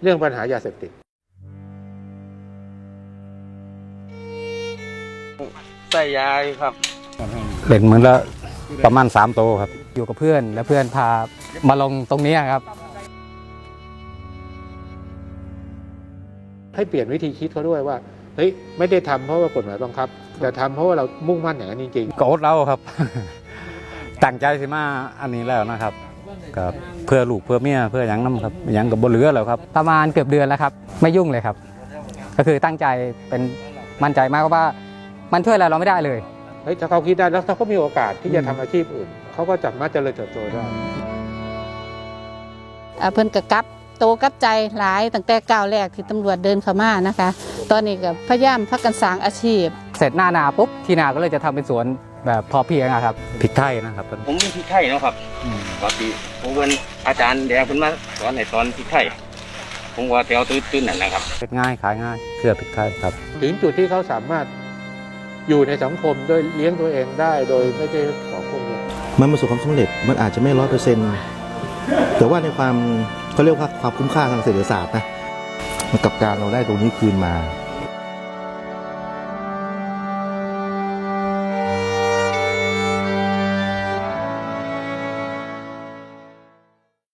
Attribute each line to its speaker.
Speaker 1: เรื่องปัญหายาเสพติด
Speaker 2: ใส่ยาครับ
Speaker 3: เล่นเหมือนละประมาณ3 โตครับอยู่กับเพื่อนและเพื่อนพามาลงตรงนี้ครับ
Speaker 1: ให้เปลี่ยนวิธีคิดเขาด้วยว่าเฮ้ยไม่ได้ทำเพราะว่ากฎหมายบังคับแต่ทำเพราะว่าเรามุ่งมั่นอย่างนั้นจริง
Speaker 3: ๆก็อดเราครับ ตั้งใจสิมาอันนี้แล้วนะครับกับเพื่อลูกเพื่อเมียเพื่ออย่างนั้นครับอย่างกับบนเรือแล้วครับประมาณเกือบเดือนแล้วครับไม่ยุ่งเลยครับก็คือตั้งใจเป็นมั่นใจมากว่ามันช่วยอะไรเราไม่ได้เลย
Speaker 1: เฮ้ยถ้าเขาคิดได้แล้วถ้าเขามีโอกาสที่จะทำอาชีพอื่นเขาก็สามารถเจริญเติบโตได้
Speaker 4: เพิ่นก็กลับโตกลับใจหลายตั้งแต่ก้าวแรกที่ตำรวจเดินเข้ามานะคะตอนนี้ก็พยายามพักกันสร้างอาชีพ
Speaker 3: เสร็จหน้านาปุ๊บที่นาก็เลยจะทำเป็นสวนแบบพอเพียงครับพริกไทยนะครับ
Speaker 2: ผมเป็นพริกไทยนะครับปกติผมเป็นอาจารย์แดงเพิ่นมาสอนในตอนพริกไทยผมว่าแถวตื้นๆนั่นนะครับ
Speaker 3: เป็นง่ายขายง่ายเครือพริกไทยครับ
Speaker 1: ถึงจุดที่เขาสามารถอยู่ในสังคมโดยเลี้ยงตัวเองได้โดยไม่ได้ของพวกนี้
Speaker 5: มันประสบความสำเร็จมันอาจจะไม่100%แต่ว่าในความเขาเรียกว่าความคุ้มค่าทางเศรษฐศาสตร์นะกับการเราได้ตรงนี้คืนมา